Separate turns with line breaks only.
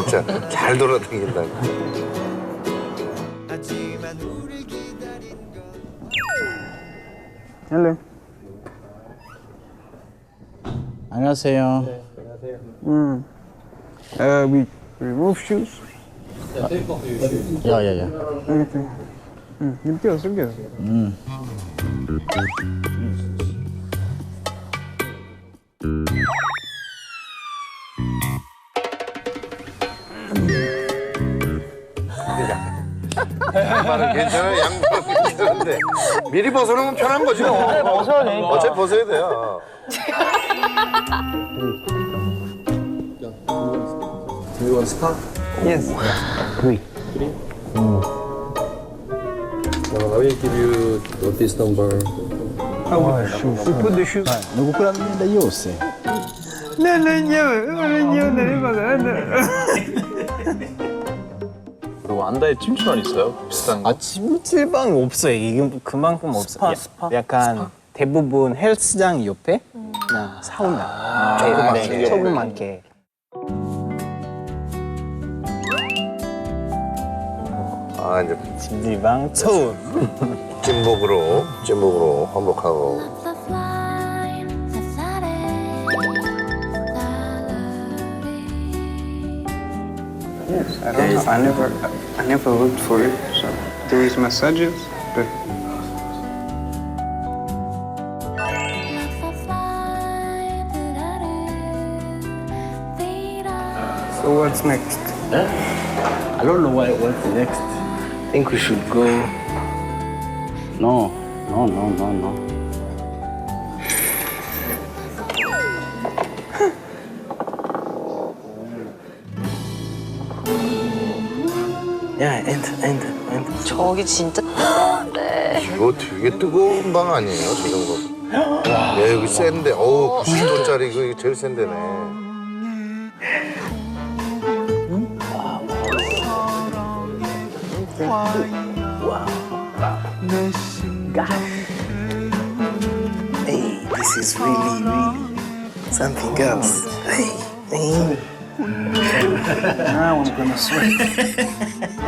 진짜 잘 돌아다닌다.
Hello.
안녕하세요.
We remove shoes.
야야야.
Anything. limpios, limpios.
양말은 괜찮아요. 양말은 괜찮은데 미리 벗어놓으면 편한 거죠.
벗어야 되니까.
어차피 벗어야 돼요.
Do you want start?
Yes.
I will give you this number.
We put the shoes.
누구 거랍니다 요새.
그리고 안다에 찜질방 있어요? 비슷한 거?
아 찜질방 없어요. 이게 그만큼 없어요.
스파?
약간 대부분 헬스장 옆에 그냥 사우나. 조그맣게. 조그맣게.
아 이제
찜질방 처음.
찐복으로 환복하고.
Yes, I don't know. I never looked for it. So there is massages, but so what's next?
I don't know what's next.
I think we should go.
No.
야, 엔드.
저기 진짜 뜨거운데.
이거 되게 뜨거운 방 아니에요, 저 정도. 야 여기 센데, 어우 90도짜리 이거 제일 센 데네.
Hey, this is really something else. Hey.
Now I'm gonna sweat.